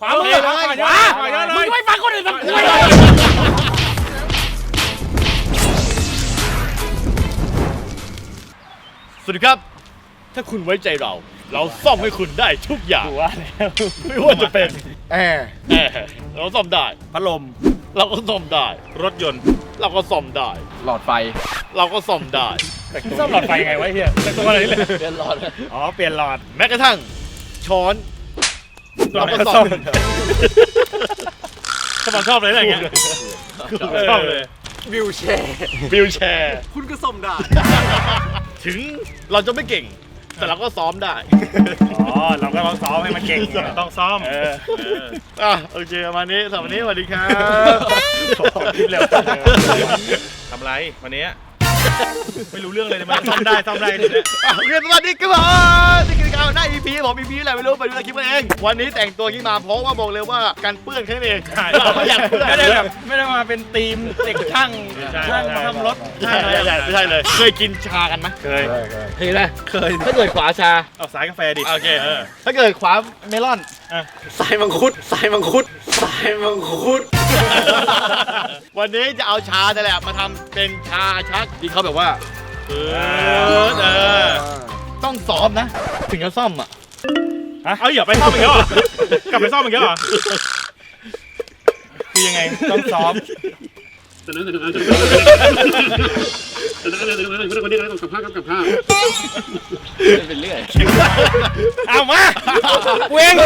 ขวามือขวามึงไม่ฟังคนอื่นฟังกูเลยสวัสดีครับถ้าคุณไว้ใจเราซ่อมให้คุณได้ทุกอย่างไม่ว่าจะเป็นแอร์เราซ่อมได้พัดลมเราก็ซ่อมได้รถยนต์เราก็ซ่อมได้หลอดไฟเราก็ซ่อมได้ซ่อมหลอดไฟไงวะเฮียแต่ตัวอะไรเลยเปลี่ยนหลอดอ๋อเปลี่ยนหลอดแม้กระทั่งช้อนเราก็ซ่อมสมองชอบเลยอะไรเงี้ยชอบเลยวิวแชร์คุณก็ซ่อมได้ถึงเราจะไม่เก่งแต่เราก็ซ้อมได้เราก็ต้องซ้อมให้มันเก่งต้องซ้อมโอเคประมาณนี้สำหรับวันนี้สวัสดีครับทำไรวันนี้ไม่รู้เรื่องเลยมันซ่อมได้เนี่ยโอเคสวัสดีครับนี่คือการหน้า EP ผม EP อะไรไม่รู้ไปดูในคลิปกันเองวันนี้แต่งตัวขึ้นมาเพราะว่าบอกเลยว่าการเปื้อนแค่นั้นเองไม่อยากเปื้อนไม่ได้มาเป็นทีมเด็กช่างมาทำรถไม่ใช่เลยเคยกินชากันไหมเคยนะเคยถ้าเกิดขวาชาเอาสายกาแฟดิโอเคถ้าเกิดขวาเมลอนสายมังคุดวันนี้จะเอาชาแต่แหละมาทำเป็นชาชักที่เขาแบบว่าต้องซ้อมนะถึงจะซ่อมอ่ะเอาอย่าไปซ่อมอีกแล้วเหรอกลับไปซ่อมอีกแล้วเหรอคือยังไงต้องซ้อมเป็นเรื่อยเอามาเว้ง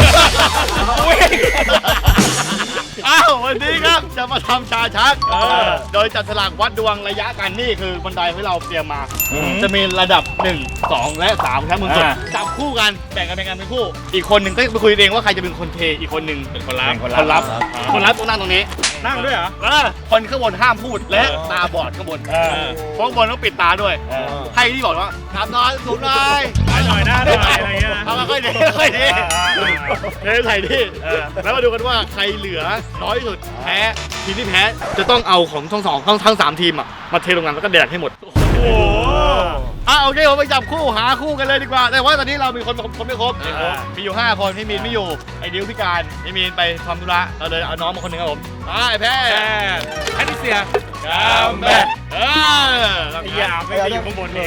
วันนี้ครับจะมาทำชาชักโดยจัดฉลากวัดดวงระยะกันนี่คือบันไดที่เราเตรียมมาจะมีระดับ1 2 และ 3ครับมึงจับคู่กันแบ่งกันเป็นคู่อีกคนหนึ่งก็ไปคุยเองว่าใครจะเป็นคนเทอีกคนหนึ่งเป็นคนรับต้องนั่งตรงนี้นั่งด้วยเหรอคนข้างบนห้ามพูดและตาบอดข้างบนข้างบนต้องปิดตาด้วยให้ที่บอกว่าทำน้อยสูงหน่อยหน่อยอะไรเงี้ยทำค่อยดีใส่ดิแล้วมาดูกันว่าใครเหลือน้อยที่สุดแพ้ทีมที่แพ้จะต้องเอาของทั้ง3ทีมมาเทลงกันแล้วก็แดกให้หมดโอเคผมไปจับคู่หาคู่กันเลยดีกว่าแต่ว่าตอนนี้เรามีคนไม่ครบมีอยู่5คนพี่มีนไม่อยู่ไอ้ดิวพิการพี่มีนไปทำธุระเราเลยเอาน้องมาคนหนึ่งครับผมไอ้แพ้แพทริเซียกัมแบทอย่าไม่ได้อยู่ข้างบนนี่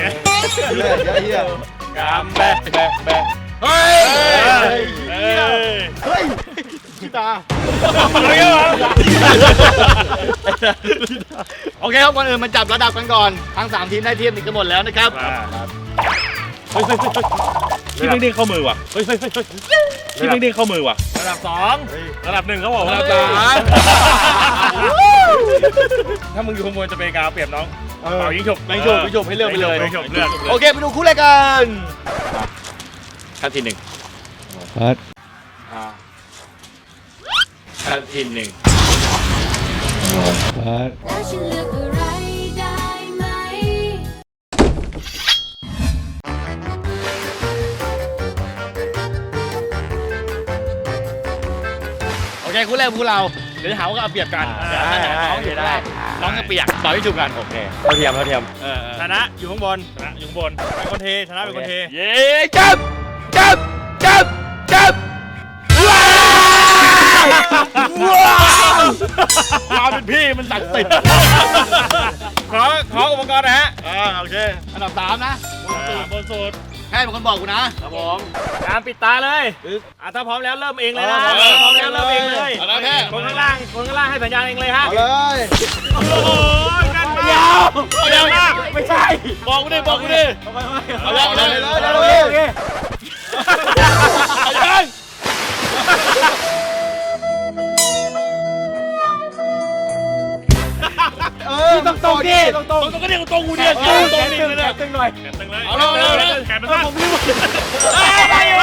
กัมแบทเฮ้ยพี่ตาโอเคครับก่อนอื่นมาจับระดับกันก่อนทั้ง3ทีมได้เทียมติดกันหมดแล้วนะครับที่เด้งเข้ามือว่ะที่เด้งเข้ามือว่ะระดับ2ระดับ1เขาบอกระดับ3ถ้ามึงอยู่ข้างบนจะเป็นการเปรียบน้องเป่ายิงฉบให้เลือกไปเลยโอเคไปดูคู่แรกกันขั้นที่1ขั้นที่1แล้วฉันเลือกอะไรได้ไหมโอเคคู่แรกคู่เราเดี๋ยวจะหาว่าเอาเปรียบกันน้องอยู่ได้น้องจะเปียกต่อที่ถูกกันโอเคเราเทียมชนะอยู่ข้างบนเป็นคนเทชนะเป็นคนเทเย้จับเราเป็นพี่มันศักดิ์สิทธิ์ขออุปกรณ์นะฮะโอเคอันดับ3นะบนสุดแค่เป็นคนบอกกูนะครับผมการปิดตาเลยถ้าพร้อมแล้วเริ่มเองเลยนะพร้อมแล้วเริ่มเองเลยคนข้างล่างให้สัญญาณเองเลยฮะเอาเลยโอ้โหนั่นมากไม่ใช่บอกกูดิเอาเลยต้องตรงดิต้องก็เรียกตรงกูเนี่ยตึงหน่อยเอาเลยแขนมันสั้นผมรีบได้อยู่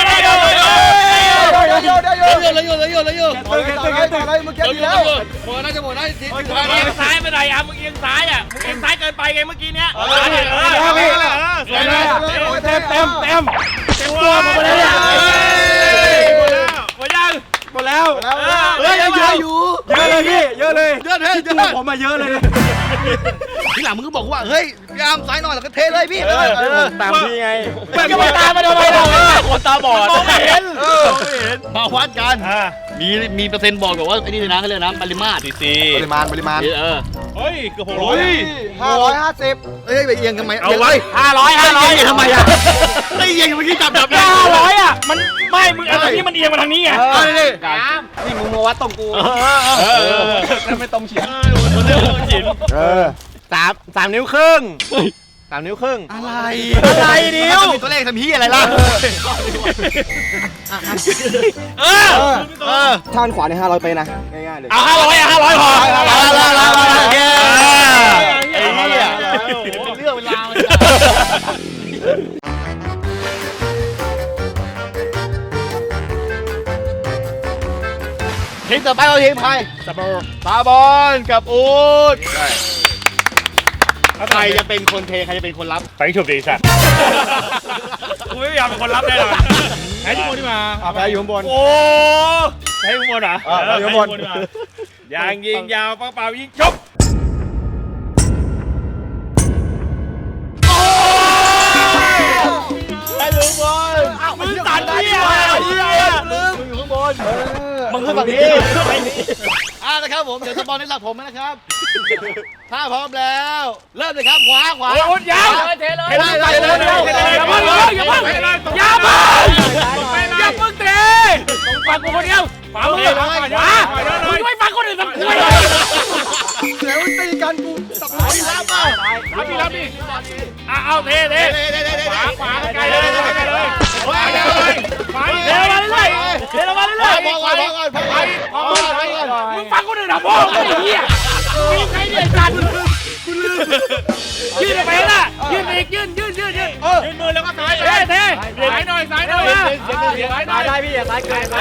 เมื่อกี้ดีแล้วหมดน่าจะหมดได้ทีเอียงซ้ายไปไหนมึงเอียงซ้ายมึงเอียงซ้ายเกินไปไงเมื่อกี้เนี้ยเต็มตัวหมดแล้วหมดแล้วเฮ้ยเยอะอยู่เยอะเลยพี่เยอะเลยผมมาเยอะเลยทีหลังมึงก็บอกว่าเฮ้ยยามซ้ายหน่อยแล้วก็เทเลยพี่ตามพี่ไงไม่ตามมาทำไมเราคนตาบอดมองไม่เห็นมาวัดกันมีเปอร์เซ็นต์บอกว่าไอ้นี่เลยนะเขาเรียกนะปริมาตรซีปริมาณเฮ้ยเกือบ600 550เอ้ยไปเอียงทำไมเอาไว้ 500ทำไมอ่ะไม่เอียงเมื่อกี้จับ 500อ่ะมันไม่มึงอันนี้มันเอียงมาทางนี้ไงนี่มึงมาวัดตรงกูไม่ตรงเฉียงคนเดียวฉิน 3 นิ้วครึ่ง3 นิ้วครึ่งอะไรนิ้วตัวเลขทำฮีอะไรล่ะท่านขวาใน500ไปนะง่ายๆเลยเอา500พอโอเคไอ้เนี่ยเป็นเรื่องเวลาทีมต่อไปเราทีมใครตาบอลกับอูดใครจะเป็นคนเทใครจะเป็นคนรับไปฉุบดีสัตว์กูไม่อยากเป็นคนรับแน่นอนแพ้ที่บนที่มาแพ้อยู่ข้างบนโอ้แพ้ที่บนเหรออยู่ข้างบนยางยิงยาวเปล่ายิงชกไปอยู่ข้างบนมึงตัดที่อะไรมึงอยู่ข้างบนมึงขึ้นฝั่งนี้นะครับผมเดี๋ยวสปอนให้หลักผมนะครับถ้าพร้อมแล้วเริ่มเลยครับขวาโอ้ยยาวเทเลยอย่าเพิ่งเทฟังกูคนเดียวขวามือขวามึงไม่ฟังคนอื่นทำไมเดี๋ยวตีกันกูตับเลยรับดิเอาเทขวาไกลเลยขวาเทมาเรื่อยมึงฟังคนอื่นทำพ่อไอ้เหี้ยมึงใครเนี่ยจันยืนไปละยืนอีกยืนมือแล้วก็ซ้ายเทซ้ายหน่อยได้พี่อย่าซ้ายเกิน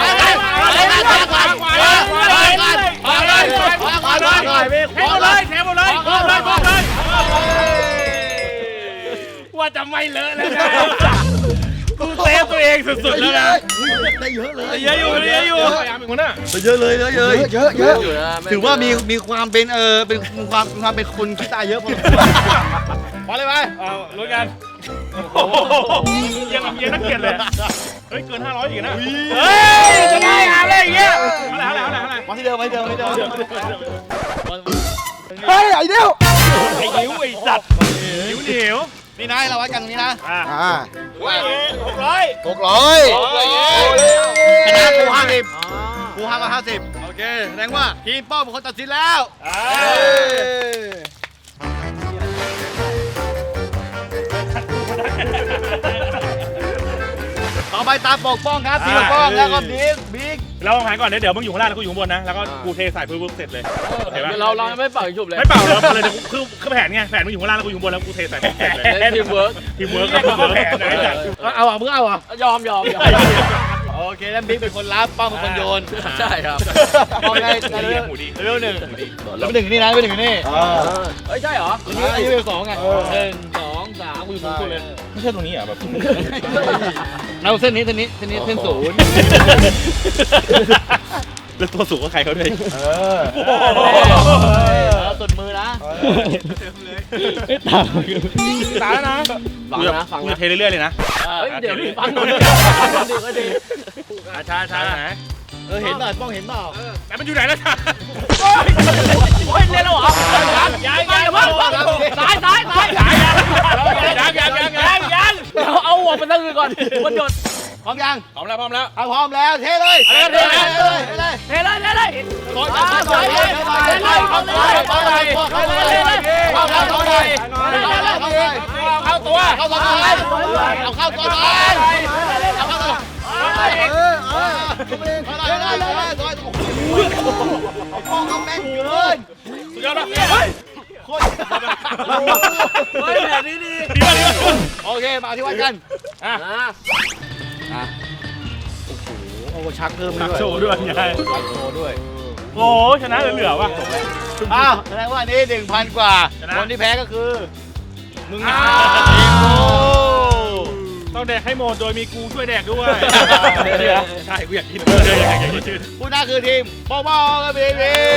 ว่าจะไม่เลอะแล้วนะกูเซฟตัวเองสุดๆแล้วนะได้เยอะเลยเยอะอยู่เยอะถือว่ามีความเป็นเป็นความเป็นคนขี้ตาเยอะพอพอเลยไหมเอาลุ้นกันยังนักเกียรติเลยเฮ้ยเกิน500อีกนะเฮ้ยจะได้อะไรอย่างเงี้ยอะไรมาที่เดิมเฮ้ยไอ้เดียวไอ้นิ้วไอ้สัตว์นิ้วนี่นะเราวัดกันตรงนี้นะ 600 ชนะกู50โอเคแสดงว่าทีมป้อมเป็นคนตัดสินแล้วต่อไปตามปกป้องครับทีมปกป้องแล้วก็บิ๊กเราหายก่อนเดี๋ยวมึงอยู่ข้างล่างแล้วกูอยู่ข้างบนนะแล้วก็กูเทใส่ปุ๊บเสร็จเลยเห็นปะเราไม่เป่าฉุบเลยไม่เป่าเราเลยคือแผนไงแผนมึงอยู่ข้างล่างแล้วกูอยู่ข้างบนแล้วกูเทใส่ปุ๊บเสร็จเลยทีมเวิร์กแผนไหนจัดเอามึงเอายอมโอเคแล้วบิ๊กเป็นคนรับป้อมเป็นคนโยนใช่ครับป้อมได้หมูดีเร็ว1แล้วเป็น1นี่นะเป็น1นี่เฮ้ยใช่เหรออันนี้เป็น2ไง1 2 3กูอยู่สูงสุดเลยไม่ใช่ตรงนี้อ่ะแบบเราเส้นนี้เส้นศูนย์แล้วตัวสูงก็ใครเขาด้วยสุดมือนะตาแล้วนะฟังนะเทเรื่อยๆเลยนะเดี๋ยวฟังหน่อยดีช้าไหนเห็นเปล่าป้องเห็นเปล่าแต่มันอยู่ไหนแล้วจ้าโอ้ยเล่นแล้วเหรอยังเอาหัวมันตั้งก่อนมันหยดพร้อมยังพร้อมแล้วพร้อมแล้วเทเลยก่อนเข้าตัวเอาเข้าตัวเลยเอาแม่งเกินสุดยอดนะโคตรแบบนี้ดีโอเคมาที่วัดกันโอ้โหชักเพิ่มด้วยโชว์ด้วยไงโชว์ด้วยโอ้ชนะเหลือว่ะแสดงว่านี่ 1,000 กว่าคนที่แพ้ก็คือมึงต้องแดกให้หมดโดยมีกูช่วยแดกด้วยใช่กูอยากกินผู้น่าคือทีมป้อกับบี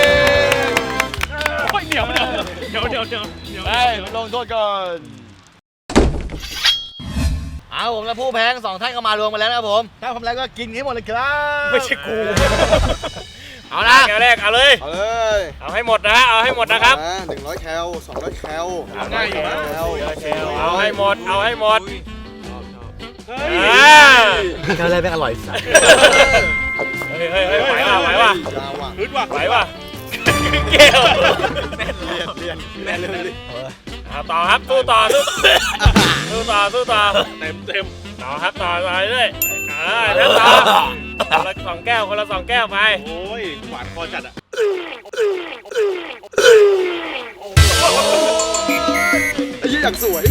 เหนียวลงโทษก่อนเอาผมและผู้แพ้ทั้ง2ท่านก็มารวมกันแล้วนะครับผมถ้าทำแล้วก็กินให้หมดเลยครับไม่ใช่กูเอานะแก้วแรกเอาเลยเอาเลยเอาให้หมดนะเอาให้หมดนะครับ 100 แคล 200 แคลง่ายอยู่นะแคลเอาให้หมดเอาให้หมดแก้วแรกเป็นอร่อยสัสเฮ้ยไหวว่ะไหวว่ะยาวอ่ะฮึดว่ะไหวว่ะเกี่ยวเรียนแน่เลยต่อครับสู้ต่อเต็มต่อครับต่อเรื่อยแล้วต่อคนละ2 แก้วคนละ2 แก้วไปโอ้ยหวานคอจัดอ่ะไอ้ยี่อย่างสวย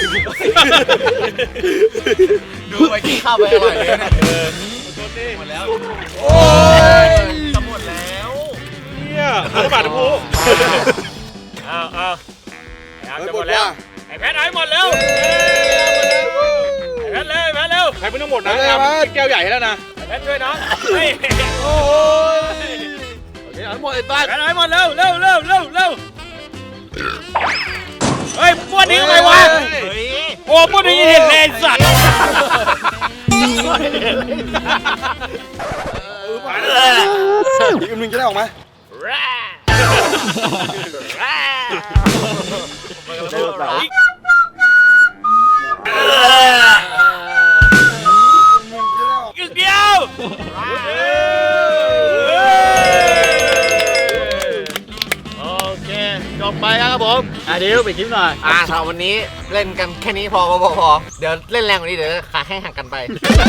ดูไปกินข้าวไปอร่อยเลยนะหมดแล้วโอ้ยจะหมดแล้วเนี่ยระบาดนะพูเอาจะหมดแล้วไอ้แพทเอาให้หมดเร็วไอ้แพทเร็วใครไม่ต้องหมดนะแก้วใหญ่แล้วนะแพทช่วยน้องเฮ้ยโอ้ยเอาหมดไอ้บ้านแพทเอาให้หมดเร็วเฮ้ยพวกนี้ทำไมวะโอ้พวกนี้เห็นเลยสัตว์อีกนึงจะได้ออกไหมอีกเดียวโอเคจบไปครับผมเดี๋ยวไปคลิปหน่อยสำหรับวันนี้เล่นกันแค่นี้พอเดี๋ยวเล่นแรงกว่านี้เดี๋ยวขาแข้งหักกันไป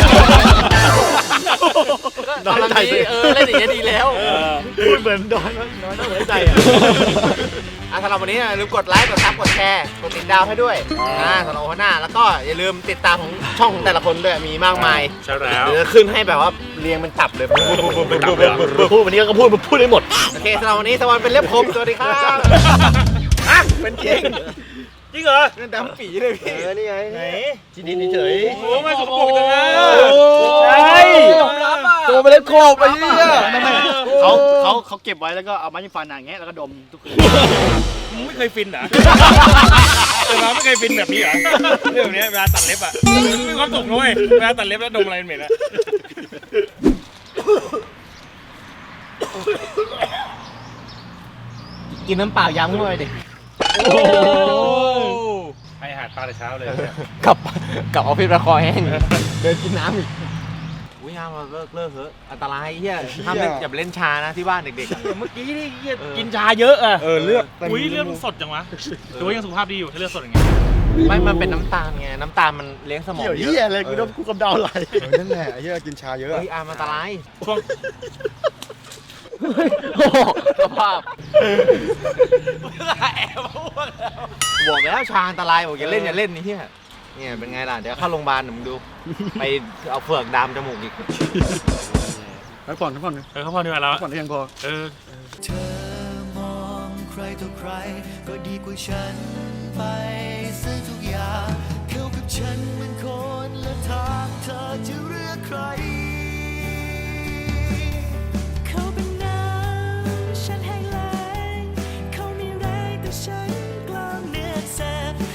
ตอนนี้เล่นอย่างนี้ดีแล้วพูดเหมือนดอนน้อยต้องหัวใจอ่ะสำหรับวันนี้อย่าลืมกดไลค์กดซับกดแชร์กดติดดาวให้ด้วยสำหรับวันหน้าแล้วก็อย่าลืมติดตามของช่องของแต่ละคนด้วยมีมากมายใช่แล้วเดี๋ยวจะขึ้นให้แบบว่าเรียงเป็นตับเลยพูดวันนี้ก็พูดได้หมดโอเคสำหรับวันนี้สวัสดีเป็นเล็บคมสวัสดีครับเป็นจริงจริงเหรอนั่นดำปีเลยพี่นี่ไงจีดินเฉยโอ้ไม่สกปรกจังนะใช่ตัวไปเล่นโคบไปเนี่ยเขาเก็บไว้แล้วก็เอาไม้จิ้มฟันอย่างเงี้ยแล้วก็ดมทุกคืนมึงไม่เคยฟินเหรอเราไม่เคยฟินแบบนี้เหรอเรื่องนี้เวลาตัดเล็บอ่ะมีความสุขด้วยเวลาตัดเล็บแล้วดมอะไรเหม็นอ่ะกินน้ำเปล่าย้ำเข้าไปดิให้อาหารปลาแต่เช้าเลยกับออฟฟิศประคอแห้งเดินกินน้ำอีกอุ้ยห้ามเลิกเถอะอันตรายเฮียห้ามเล่นอย่าไปเล่นชานะที่บ้านเด็กๆเมื่อกี้นี่กินชาเยอะอ่ะเลือกอุ้ยเลือดมันสดจังวะหรือว่ายังสุขภาพดีอยู่ถ้าเลือดสดอย่างเงี้ยไม่มันเป็นน้ำตาลไงน้ำตาลมันเลี้ยงสมองเกี่ยวเยเหี้ยอะอะไรกูโดนกูกำเดาไหลนั่นแหละไอ้ยี่กินชาเยอะเฮ้ยอามันอันตรายช่วงโอ้โหสภาพบอกแล้วชาอันตรายบอกอย่าเล่นนี่เฮียเนี่ยเป็นไงล่ะเดี๋ยวเข้าโรงพยาบาลเดี๋ยวมึงดูไปเอาเฟือกดามจมูกอีกพักผ่อนเขาพอดีกว่าแล้วได้ยังพอเธอมองใครต่อใครก็ดีกว่าฉันไปซึ่งทุกอย่างเขากับฉันเหมือนคนละทางเธอจะ